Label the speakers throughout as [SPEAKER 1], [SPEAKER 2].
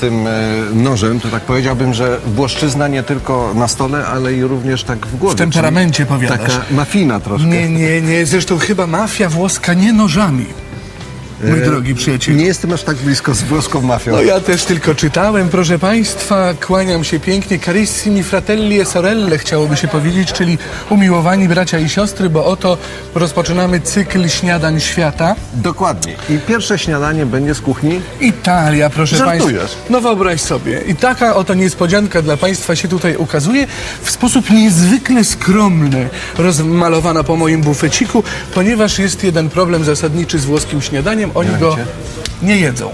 [SPEAKER 1] tym nożem, to tak powiedziałbym, że włoszczyzna nie tylko na stole, ale i również tak w głowie.
[SPEAKER 2] W temperamencie
[SPEAKER 1] czyli
[SPEAKER 2] powiadasz.
[SPEAKER 1] taka mafina troszkę.
[SPEAKER 2] Nie. Zresztą chyba mafia włoska nie nożami. Mój drogi przyjacielu.
[SPEAKER 1] Nie jestem aż tak blisko z włoską mafią.
[SPEAKER 2] No ja też tylko czytałem, proszę Państwa, kłaniam się pięknie. Carissimi fratelli e sorelle, chciałoby się powiedzieć, czyli umiłowani bracia i siostry, bo oto rozpoczynamy cykl śniadań świata.
[SPEAKER 1] Dokładnie. I pierwsze śniadanie będzie z kuchni.
[SPEAKER 2] Italia, proszę
[SPEAKER 1] Żartujesz?
[SPEAKER 2] Państwa. No wyobraź sobie. I taka oto niespodzianka dla Państwa się tutaj ukazuje w sposób niezwykle skromny, rozmalowana po moim bufeciku, ponieważ jest jeden problem zasadniczy z włoskim śniadaniem. Oni go nie jedzą.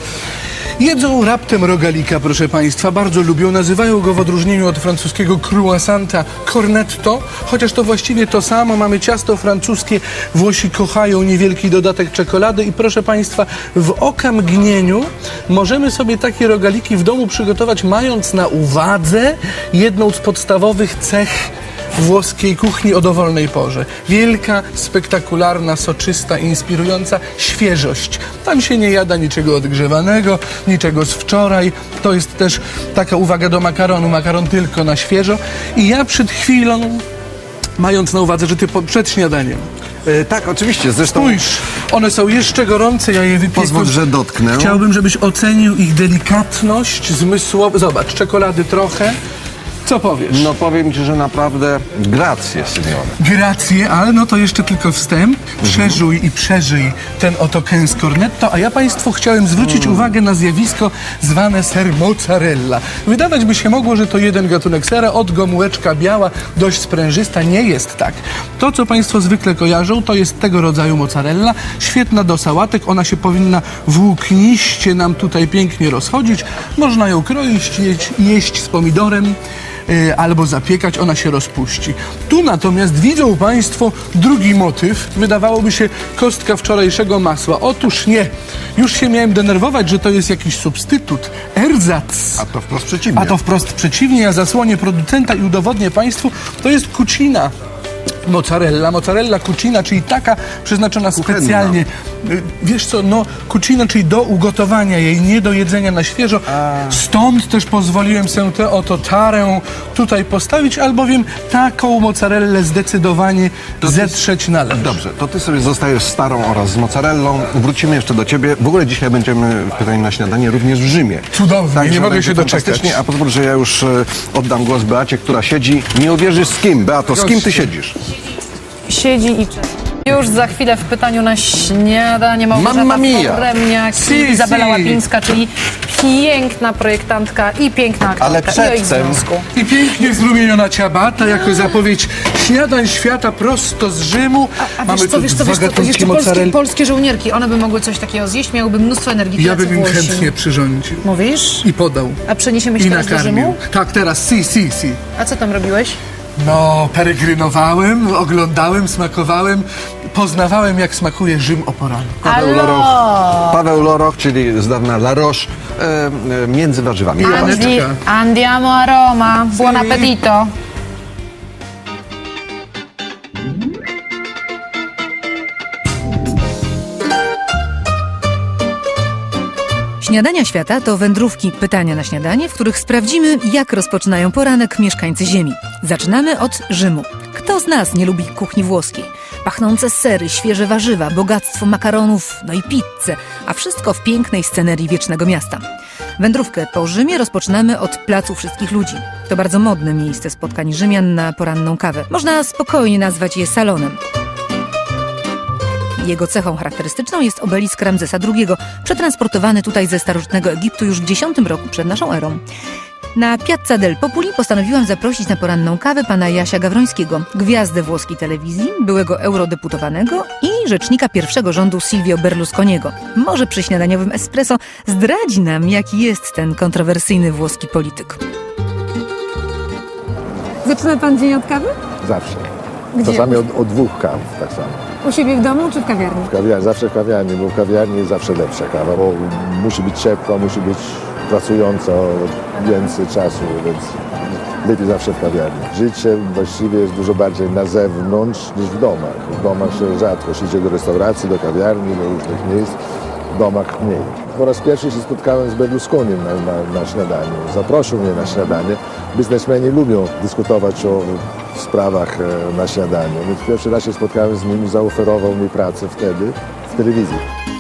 [SPEAKER 2] Jedzą raptem rogalika, proszę Państwa, bardzo lubią, nazywają go w odróżnieniu od francuskiego croissanta cornetto, chociaż to właściwie to samo, mamy ciasto francuskie, Włosi kochają niewielki dodatek czekolady i proszę Państwa, w okamgnieniu możemy sobie takie rogaliki w domu przygotować, mając na uwadze jedną z podstawowych cech włoskiej kuchni o dowolnej porze. Wielka, spektakularna, soczysta, inspirująca świeżość. Tam się nie jada niczego odgrzewanego, niczego z wczoraj. To jest też taka uwaga do makaronu. Makaron tylko na świeżo. I ja przed chwilą, mając na uwadze, że ty przed śniadaniem,
[SPEAKER 1] Tak, oczywiście. Zresztą
[SPEAKER 2] spójrz, one są jeszcze gorące, ja je wypiekę.
[SPEAKER 1] pozwól, że dotknę.
[SPEAKER 2] Chciałbym, żebyś ocenił ich delikatność zmysłową. Zobacz, czekolady trochę. Co powiesz?
[SPEAKER 1] No powiem ci, że naprawdę gracje, Simeone.
[SPEAKER 2] Gracje, ale no to jeszcze tylko wstęp. Przeżuj i przeżyj ten oto kęs cornetto, a ja Państwu chciałem zwrócić uwagę na zjawisko zwane ser mozzarella. Wydawać by się mogło, że to jeden gatunek sera, od gomułeczka biała, dość sprężysta. Nie jest tak. To, co Państwo zwykle kojarzą, to jest tego rodzaju mozzarella. Świetna do sałatek, ona się powinna włókniście nam tutaj pięknie rozchodzić. Można ją kroić, jeść z pomidorem, albo zapiekać, ona się rozpuści. Tu natomiast widzą Państwo drugi motyw. Wydawałoby się kostka wczorajszego masła. Otóż nie. Już się miałem denerwować, że to jest jakiś substytut, ersatz.
[SPEAKER 1] A to wprost przeciwnie.
[SPEAKER 2] A to wprost przeciwnie. Ja zasłonię producenta i udowodnię Państwu, to jest cucina. Mozzarella cucina, czyli taka przeznaczona specjalnie, wiesz co, no cucina, czyli do ugotowania jej, nie do jedzenia na świeżo. Stąd też pozwoliłem sobie tę oto tarę tutaj postawić, albowiem taką mozzarellę zdecydowanie zetrzeć należy.
[SPEAKER 1] Dobrze, to ty sobie zostajesz z starą oraz z mozzarellą. Wrócimy jeszcze do ciebie. W ogóle dzisiaj będziemy w Pytaniu na śniadanie również w Rzymie.
[SPEAKER 2] Cudownie,
[SPEAKER 1] Także
[SPEAKER 2] nie mogę
[SPEAKER 1] będzie
[SPEAKER 2] się doczekać.
[SPEAKER 1] fantastycznie. A pozwól, że ja już oddam głos Beacie, która siedzi. Nie uwierzysz z kim. Beato, z kim ty siedzisz?
[SPEAKER 3] Siedzi i czeka. Już za chwilę w pytaniu na śniadanie
[SPEAKER 1] Mamma
[SPEAKER 3] Małgorzata
[SPEAKER 1] mia!
[SPEAKER 3] Foremniak
[SPEAKER 2] Si,
[SPEAKER 3] i Izabela
[SPEAKER 2] si.
[SPEAKER 3] Łapińska, czyli piękna projektantka i piękna aktorka.
[SPEAKER 1] Ale
[SPEAKER 3] I o ich
[SPEAKER 1] przedtem-
[SPEAKER 3] związku.
[SPEAKER 2] I pięknie zrumieniona ciabata jako zapowiedź śniadań świata prosto z Rzymu.
[SPEAKER 3] A
[SPEAKER 2] Mamy
[SPEAKER 3] wiesz co,
[SPEAKER 2] tu
[SPEAKER 3] wiesz co,
[SPEAKER 2] dwa
[SPEAKER 3] wiesz co, to
[SPEAKER 2] gatunki
[SPEAKER 3] jeszcze
[SPEAKER 2] mozzarelli.
[SPEAKER 3] polskie żołnierki, one by mogły coś takiego zjeść, miałyby mnóstwo energii.
[SPEAKER 2] Ja
[SPEAKER 3] tacy
[SPEAKER 2] bym im
[SPEAKER 3] Włosi.
[SPEAKER 2] chętnie przyrządził.
[SPEAKER 3] Mówisz?
[SPEAKER 2] I podał.
[SPEAKER 3] A przeniesiemy się
[SPEAKER 2] I
[SPEAKER 3] teraz do
[SPEAKER 2] nakarmił.
[SPEAKER 3] Rzymu?
[SPEAKER 2] Tak, teraz, si.
[SPEAKER 3] A co tam robiłeś?
[SPEAKER 2] No, peregrynowałem, oglądałem, smakowałem, poznawałem, jak smakuje Rzym o poranku.
[SPEAKER 1] Paweł Loroch, czyli z dawna La Roche, między warzywami.
[SPEAKER 2] Aneczka.
[SPEAKER 3] Andiamo a Roma. Buon appetito.
[SPEAKER 4] Śniadania świata to wędrówki Pytania na śniadanie, w których sprawdzimy, jak rozpoczynają poranek mieszkańcy Ziemi. Zaczynamy od Rzymu. Kto z nas nie lubi kuchni włoskiej? Pachnące sery, świeże warzywa, bogactwo makaronów, no i pizzę, a wszystko w pięknej scenerii wiecznego miasta. Wędrówkę po Rzymie rozpoczynamy od Placu Wszystkich Ludzi. To bardzo modne miejsce spotkań Rzymian na poranną kawę. Można spokojnie nazwać je salonem. Jego cechą charakterystyczną jest obelisk Ramzesa II, przetransportowany tutaj ze starożytnego Egiptu już w X roku przed naszą erą. Na Piazza del Populi postanowiłam zaprosić na poranną kawę pana Jasia Gawrońskiego, gwiazdę włoskiej telewizji, byłego eurodeputowanego i rzecznika pierwszego rządu Silvio Berlusconiego. Może przy śniadaniowym espresso zdradzi nam, jaki jest ten kontrowersyjny włoski polityk.
[SPEAKER 5] Zaczyna pan dzień od kawy?
[SPEAKER 6] Zawsze.
[SPEAKER 5] Gdzie?
[SPEAKER 6] Czasami od dwóch kaw, tak samo.
[SPEAKER 5] U siebie w domu czy w kawiarni?
[SPEAKER 6] W kawiarni, zawsze w kawiarni, bo w kawiarni jest zawsze lepsza kawa, bo musi być ciepła, musi być pracująca więcej czasu, więc lepiej zawsze w kawiarni. Życie właściwie jest dużo bardziej na zewnątrz niż w domach. W domach się rzadko się idzie do restauracji, do kawiarni, do różnych miejsc. domach mniej. Po raz pierwszy się spotkałem z Berlusconim na śniadaniu. Zaprosił mnie na śniadanie. Biznesmeni lubią dyskutować o sprawach na śniadaniu. Więc pierwszy raz się spotkałem z nim i zaoferował mi pracę wtedy w telewizji.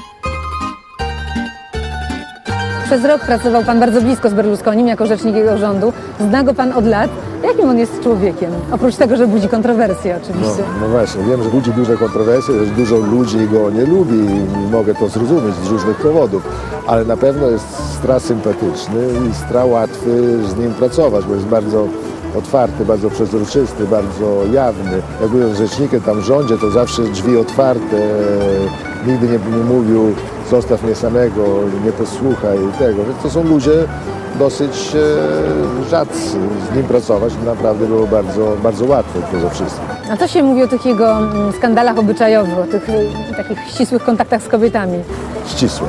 [SPEAKER 5] Przez rok pracował pan bardzo blisko z Berlusconim jako rzecznik jego rządu. Zna go pan od lat. Jakim on jest człowiekiem? Oprócz tego, że budzi kontrowersje oczywiście.
[SPEAKER 6] No właśnie, wiem, że budzi duże kontrowersje, że dużo ludzi go nie lubi i mogę to zrozumieć z różnych powodów, ale na pewno jest sympatyczny i łatwy z nim pracować, bo jest bardzo otwarty, bardzo przezroczysty, bardzo jawny. Jak byłem rzecznikiem tam w rządzie, to zawsze drzwi otwarte, nigdy nie mówił zostaw mnie samego, nie posłuchaj tego. Więc to są ludzie dosyć rzadcy. Z nim pracować naprawdę było bardzo, bardzo łatwo poza wszystkim.
[SPEAKER 5] A co się mówi o tych jego skandalach obyczajowych, o tych takich ścisłych kontaktach z kobietami?
[SPEAKER 6] Ścisłe.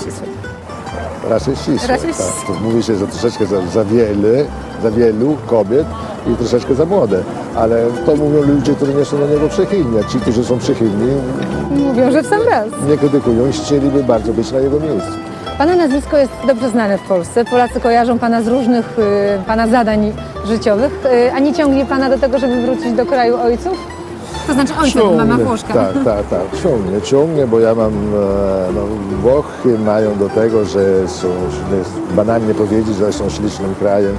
[SPEAKER 6] Raczej ścisłe.
[SPEAKER 5] Raczej
[SPEAKER 6] Tak. To mówi się, że troszeczkę za wielu kobiet i troszeczkę za młode. Ale to mówią ludzie, którzy nie są do niego przychylni. A ci, którzy są przychylni,
[SPEAKER 5] Mówią, że w sam raz.
[SPEAKER 6] nie krytykują i chcieliby bardzo być na jego miejscu.
[SPEAKER 5] Pana nazwisko jest dobrze znane w Polsce. Polacy kojarzą pana z różnych pana zadań życiowych. A nie ciągnie pana do tego, żeby wrócić do kraju ojców? To znaczy ojca, bo mama Włoszka.
[SPEAKER 6] Tak. Ciągnie, bo ja mam, Włochy mają do tego, że są, banalnie powiedzieć, że są ślicznym krajem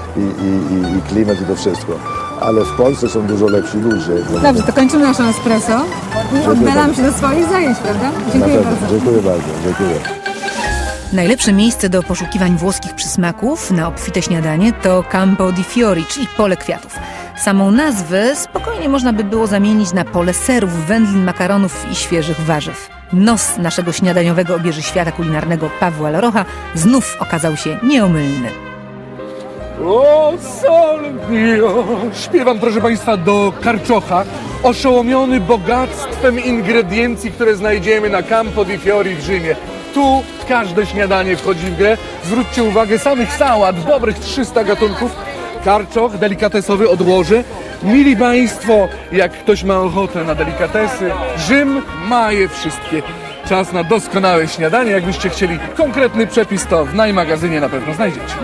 [SPEAKER 6] i klimat i to wszystko. Ale w Polsce są dużo lepsi ludzie.
[SPEAKER 5] Dobrze, to kończymy naszą espresso i oddalamy się do swoich zajęć, prawda? Dziękuję bardzo.
[SPEAKER 6] Dziękuję bardzo. Dziękuję.
[SPEAKER 4] Najlepsze miejsce do poszukiwań włoskich przysmaków na obfite śniadanie to Campo di Fiori, czyli pole kwiatów. Samą nazwę spokojnie można by było zamienić na pole serów, wędlin, makaronów i świeżych warzyw. Nos naszego śniadaniowego obieży świata kulinarnego Pawła Larocha znów okazał się nieomylny.
[SPEAKER 2] O, sol mio! Śpiewam, proszę Państwa, do karczocha, oszołomiony bogactwem ingrediencji, które znajdziemy na Campo di Fiori w Rzymie. Tu każde śniadanie wchodzi w grę. Zwróćcie uwagę, samych sałat, dobrych 300 gatunków. Karczoch delikatesowy odłożę. Mili Państwo, jak ktoś ma ochotę na delikatesy, Rzym ma je wszystkie. Czas na doskonałe śniadanie. Jakbyście chcieli konkretny przepis, to w najmagazynie na pewno znajdziecie.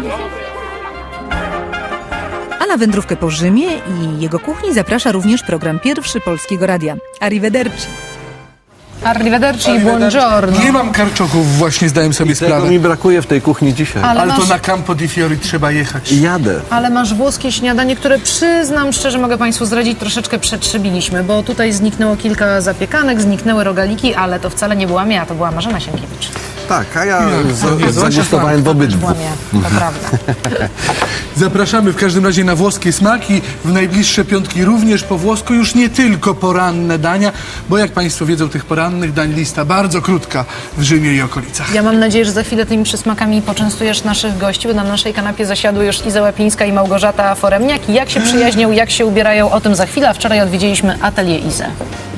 [SPEAKER 4] A na wędrówkę po Rzymie i jego kuchni zaprasza również program Pierwszy Polskiego Radia. Arrivederci.
[SPEAKER 3] Arrivederci i buongiorno.
[SPEAKER 2] Nie mam karczochów, właśnie zdałem sobie
[SPEAKER 1] Tego
[SPEAKER 2] sprawę.
[SPEAKER 1] mi brakuje w tej kuchni dzisiaj.
[SPEAKER 3] Ale
[SPEAKER 2] Ale to
[SPEAKER 3] masz-
[SPEAKER 2] na Campo di Fiori trzeba jechać.
[SPEAKER 1] Jadę.
[SPEAKER 3] Ale masz włoskie śniadanie, które przyznam szczerze, mogę Państwu zdradzić, troszeczkę przetrzebiliśmy, bo tutaj zniknęło kilka zapiekanek, zniknęły rogaliki, ale to wcale nie byłam ja, to była Marzena Sienkiewicz.
[SPEAKER 1] Tak, a ja
[SPEAKER 2] nie,
[SPEAKER 1] zagustowałem w obydwu.
[SPEAKER 3] Byłam ja, to prawda.
[SPEAKER 2] Zapraszamy w każdym razie na włoskie smaki. W najbliższe piątki również po włosku, już nie tylko poranne dania, bo jak Państwo wiedzą, tych porannych dań lista bardzo krótka w Rzymie i okolicach.
[SPEAKER 3] Ja mam nadzieję, że za chwilę tymi przysmakami poczęstujesz naszych gości, bo na naszej kanapie zasiadły już Iza Łapińska i Małgorzata Foremniak. I jak się przyjaźnią, jak się ubierają, o tym za chwilę. A wczoraj odwiedziliśmy atelier Izę.